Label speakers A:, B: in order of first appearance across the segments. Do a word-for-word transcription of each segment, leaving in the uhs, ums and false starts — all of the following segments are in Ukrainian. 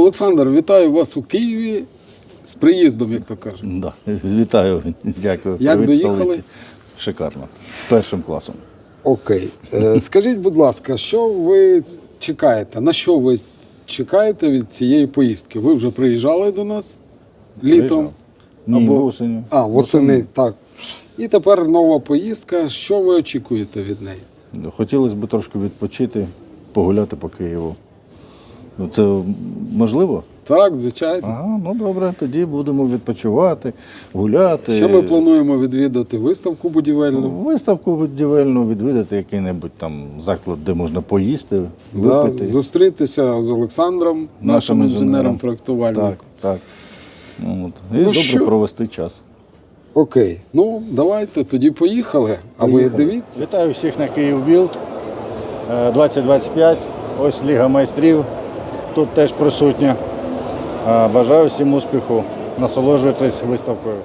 A: Олександр, вітаю вас у Києві з приїздом, як то кажуть.
B: Да. Вітаю, дякую.
A: Як
B: Привіт,
A: доїхали?
B: столиці. Шикарно. Першим класом.
A: Окей. Е, Скажіть, будь ласка, що ви чекаєте? На що ви чекаєте від цієї поїздки? Ви вже приїжджали до нас літом?
B: Ні,
A: Або-
B: осінню.
A: А, восени, так. І тепер нова поїздка. Що ви очікуєте від неї?
B: Хотілося б трошки відпочити, погуляти по Києву. Ну, це можливо?
A: Так, звичайно.
B: Ага, ну добре, тоді будемо відпочивати, гуляти.
A: Ще ми плануємо відвідати виставку будівельну.
B: Виставку будівельну, відвідати який-небудь там заклад, де можна поїсти,
A: Да,
B: випити.
A: зустрітися з Олександром, нашим
B: інженером.
A: інженером-проєктувальником.
B: Так, так. Ну, от. І
A: Ну,
B: добре
A: що?
B: провести час.
A: Окей, ну давайте тоді поїхали. А ви
B: Поїхали.
A: дивіться.
B: Вітаю всіх на Київбілд двадцять двадцять п'ять. Ось Ліга майстрів тут теж присутня. Е, Бажаю всім успіху. Насолоджуйтесь виставкою.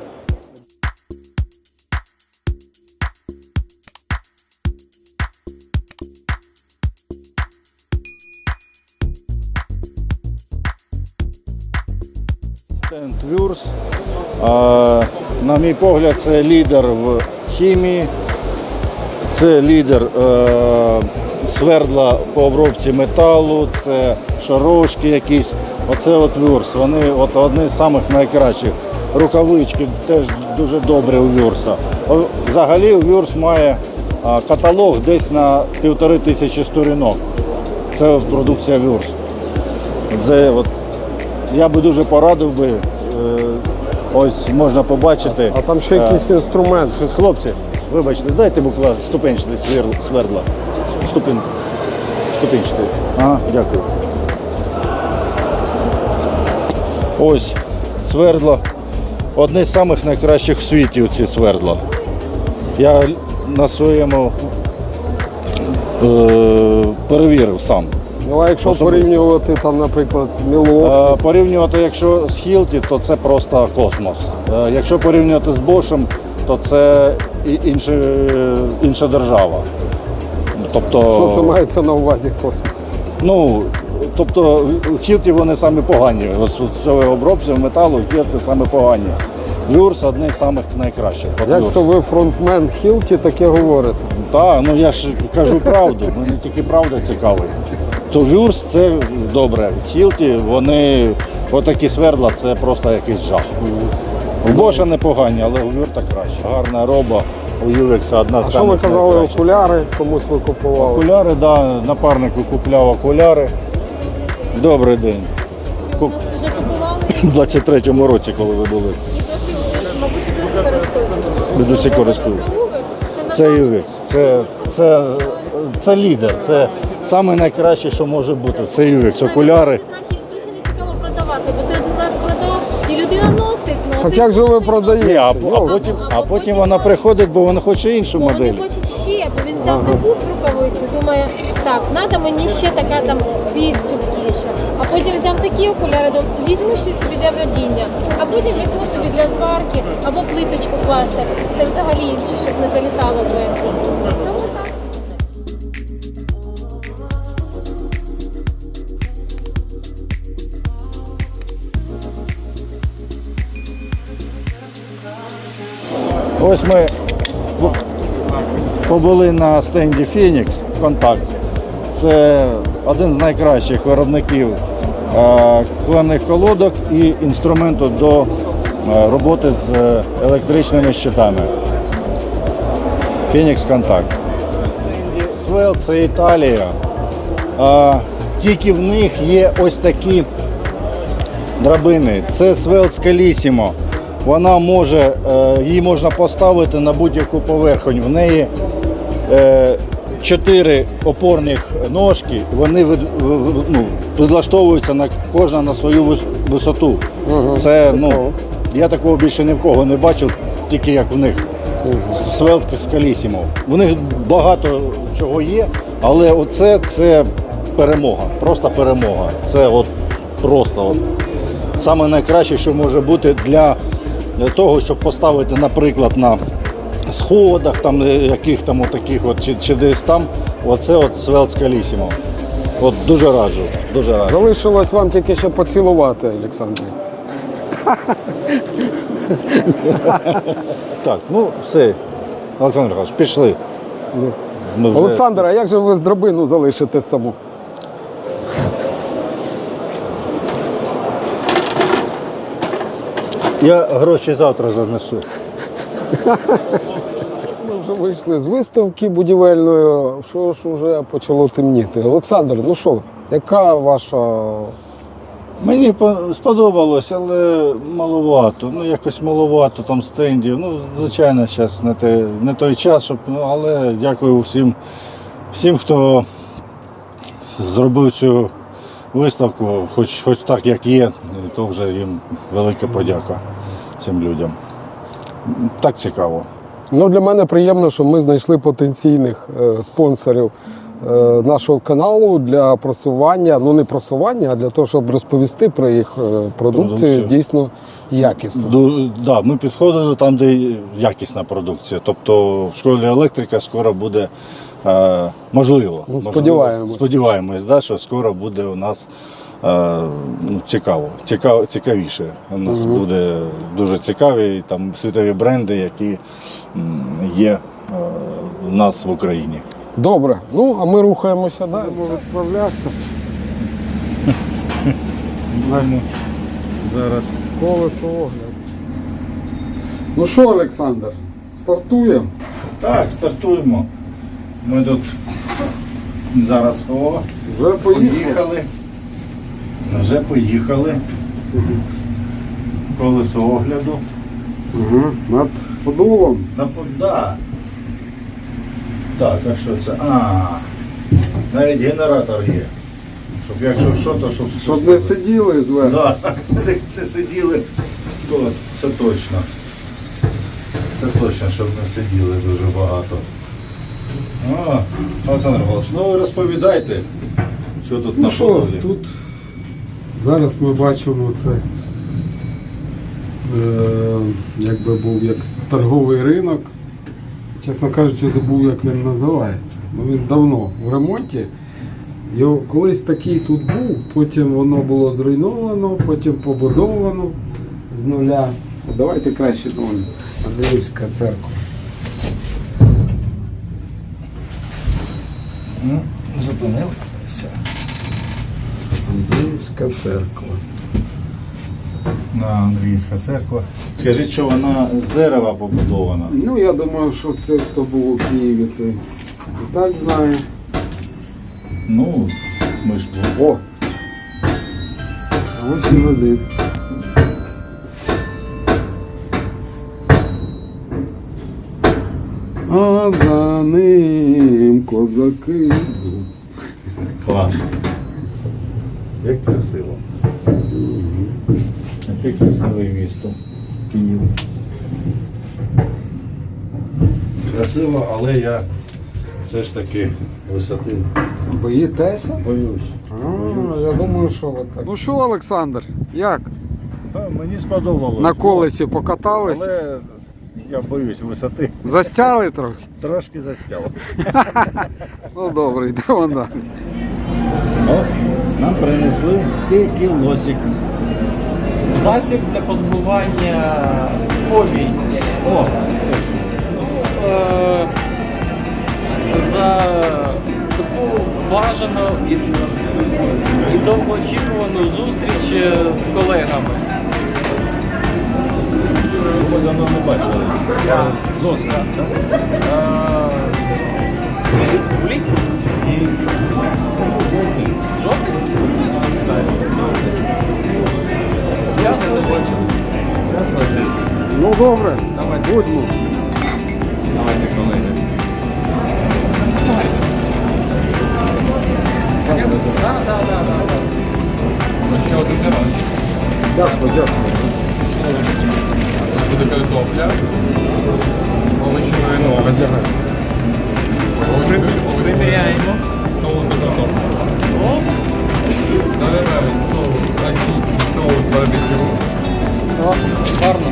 B: Стенд Вюрс. Е, На мій погляд, це лідер в хімії. Це лідер е, свердла по обробці металу, це шарошки якісь. Оце от Вюрс. Вони от одні з самих найкращих. Рукавички теж дуже добрі у Вюрса. О, Взагалі Вюрс має а, каталог десь на півтори тисячі сторінок. Це от продукція Вюрс. Це, от, я би дуже порадив би, е, ось можна побачити.
A: А там ще якийсь інструмент.
B: Хлопці, вибачте, дайте буквально ступенчатий свер- свердла. Ступін. Ступенчатий. Ага, дякую. Ось свердло. Одне з самих найкращих в світі ці свердла. Я на своєму е- перевірив сам.
A: Ну а якщо
B: Особисто.
A: порівнювати там, наприклад, Мілуокі,
B: Е, Порівнювати, якщо з Хілті, то це просто космос. Е, Якщо порівнювати з Бошем, то це і- інше, інша держава. Тобто,
A: що це мається на увазі космос?
B: ну, тобто в Хілті вони самі погані. Ось у цього обробці металу в Хілті самі погані. Вюрс одне з самих найкращих. От
A: Як
B: Вюрс.
A: це ви фронтмен Хілті таке говорите?
B: Так, ну я ж кажу правду, мене тільки правда цікавить. То Вюрс це добре. В Хілті вони отакі свердла, це просто якийсь жах. У Боша непогані, але у Вюрта краще. Гарна роба, у Ювекса одна з
A: А що ви
B: самих
A: казали,
B: найкращих.
A: окуляри комусь ви купували?
B: Окуляри, да, напарнику купляв окуляри. Добрий день.
C: Що у нас вже купували
B: У двадцять третьому році, коли ви були.
C: і досі, мабуть, і досі користуємося.
B: Ви досі користуєтесь.
C: Це Увекс, це
B: Це
C: назавжди.
B: Ювекс, це, це, це лідер, це найкраще, що може бути. Це Ювекс, окуляри.
C: Трохи, трохи не цікаво продавати, бо ти один раз продав, і людина носить, носить.
A: Так як же ви
C: носить,
A: продаєте?
B: Ні, а, а,
A: Йо.
B: потім, а потім вона приходить, бо вона хоче іншу
C: Бо вони
B: модель.
C: хочуть ще, бо він взяв таку рукавицю, думає, так, треба мені ще така там більш зубкіша. А потім взяв такі окуляри, думав, візьму щось собі для водіння, а потім візьму собі для зварки або плиточку класти. Це взагалі інше, щоб не залітало зверху. Тому так.
B: Ось ми побули на стенді Фенікс Контакт. Це один з найкращих виробників е, клемних колодок і інструменту до е, роботи з е, електричними щитами. Фенікс Контакт. Свел це Італія. Е, Тільки в них є ось такі драбини. Це Свел Скалісімо. Вона може, е, її можна поставити на будь-яку поверхонь. В неї е, чотири опорних ножки, вони від, в- ну, підлаштовуються на кожна на свою вис- висоту. Це, ну, я такого більше ні в кого не бачив, тільки як в них. Свел Скалісімо. В них багато чого є, але оце це перемога, просто перемога. Це от просто от саме найкраще, що може бути для, для того, щоб поставити, наприклад, на сходах, там яких там отаких от чи, чи десь там, оце от Свел Скалісімо. От дуже раджу, дуже раджу.
A: Залишилось вам тільки ще поцілувати, Олександр.
B: Так, ну все. Олександр Михайлович, пішли. Ми вже-
A: Олександр, а як же ви з драбину залишите саму?
B: Я гроші завтра занесу.
A: Ми вже вийшли з виставки будівельної, що ж вже почало темніти. Олександр, ну що, яка ваша...
B: Мені по- сподобалось, але маловато. Ну, якось маловато там стендів. Ну, звичайно, зараз не, те, не той час, щоб, ну, але дякую всім, всім, хто зробив цю виставку, хоч, хоч так, як є, то вже їм велика подяка цим людям. Так цікаво.
A: Ну, для мене приємно, що ми знайшли потенційних е, спонсорів е, нашого каналу для просування, ну не просування, а для того, щоб розповісти про їх е, продукцію,
B: Продукцію.
A: дійсно якісно.
B: Ду- да, ми підходили там, де якісна продукція. Тобто в школі електрика скоро буде, е, можливо,
A: Ну,
B: можливо,
A: сподіваємось.
B: сподіваємось, да, що скоро буде у нас е, ну, цікаво, цікаво, цікавіше. У нас буде дуже цікаві там світові бренди, які м, є е, у нас в Україні.
A: Добре, ну а ми рухаємося далі. Будемо відправлятися.
B: Зараз.
A: Колесо огляд. Ну що, Олександр, стартуємо?
B: Так, стартуємо. Ми тут зараз о,
A: Вже поїхали.
B: поїхали. Вже поїхали. Колесо огляду.
A: Угу. Над подолом.
B: На да. Так, а що це? А, навіть генератор є. Щоб якщо що, то щоб,
A: Щоб не сиділи зверху.
B: Да, не, не сиділи, то це точно. Це точно, щоб не сиділи дуже багато. О, Олександр Михайлович, ну ви розповідайте, що тут
A: Ну
B: на
A: що,
B: подолі.
A: тут зараз ми бачимо це, е, якби був як торговий ринок. Чесно кажучи, забув, як він називається. Ну, він давно в ремонті. Його колись такий тут був, потім воно було зруйновано, потім побудовано з нуля. Давайте краще до Андріївська церква.
B: Ну, зупинилися.
A: Андріївська церква.
B: На Андріївська церква. Скажіть, що вона з дерева побудована?
A: Ну, я думаю, що той, хто був у Києві, той і так знає.
B: Ну, ми ж
A: О! А ось і один. А за ним козаки.
B: клас. Як красиво. Яке красиве місто. Київ. Красиво, але я все ж таки висоти
A: Боїтеся?
B: боюсь.
A: А, я думаю, що ви так. Ну що, Олександр, як?
B: А, мені сподобалось.
A: На колесі покатались?
B: Але я боюсь висоти.
A: Застяли трохи?
B: Трошки застяв.
A: Ну добре, йдемо далі.
B: О, нам принесли текілосик.
D: Засіб для позбування фобій.
B: О,
D: Е, За таку бажану і, і довгоочікувану зустріч з колегами.
B: ми давно не бачили. Зоса, так?
D: Е, Влітку, влітку? Жовтий? Час летить.
A: Ну добре, будьмо.
D: Давайте, колеги. Так, так, так, так.
E: Ще один раз.
A: Дякую, дякую.
E: У нас буде картопля, овочі вино,
D: Приміряємо.
E: соус до картоплі. Заливають соус, російський соус барбекю.
D: О, гарно.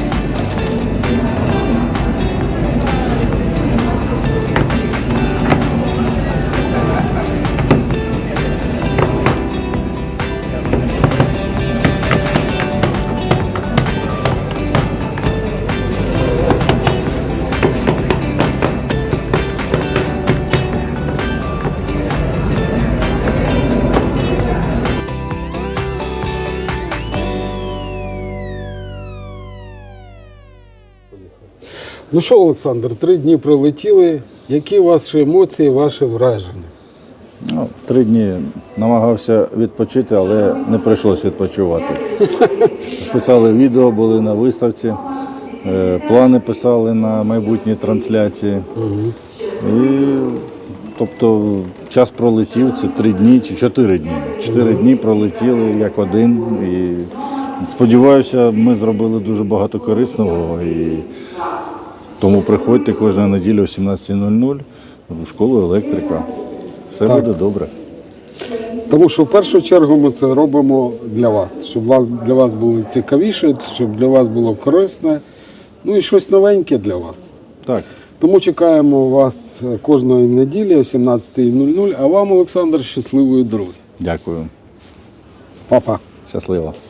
A: Ну що, Олександр, три дні пролетіли. Які ваші емоції, ваші враження?
B: Ну, три дні намагався відпочити, але не прийшлося відпочивати. Писали відео, були на виставці, е, плани писали на майбутні трансляції. І, тобто час пролетів, це три дні чи чотири дні. Чотири дні пролетіли як один. І сподіваюся, ми зробили дуже багато корисного. І тому приходьте кожну неділю о сімнадцятій нуль нуль в школу електрика. Все
A: Так.
B: буде добре.
A: Тому що в першу чергу ми це робимо для вас, щоб вас, для вас було цікавіше, щоб для вас було корисне, ну і щось новеньке для вас.
B: Так.
A: Тому чекаємо вас кожної неділі о сімнадцятій нуль нуль, а вам, Олександр, щасливої дороги.
B: Дякую.
A: Па-па.
B: Щасливо.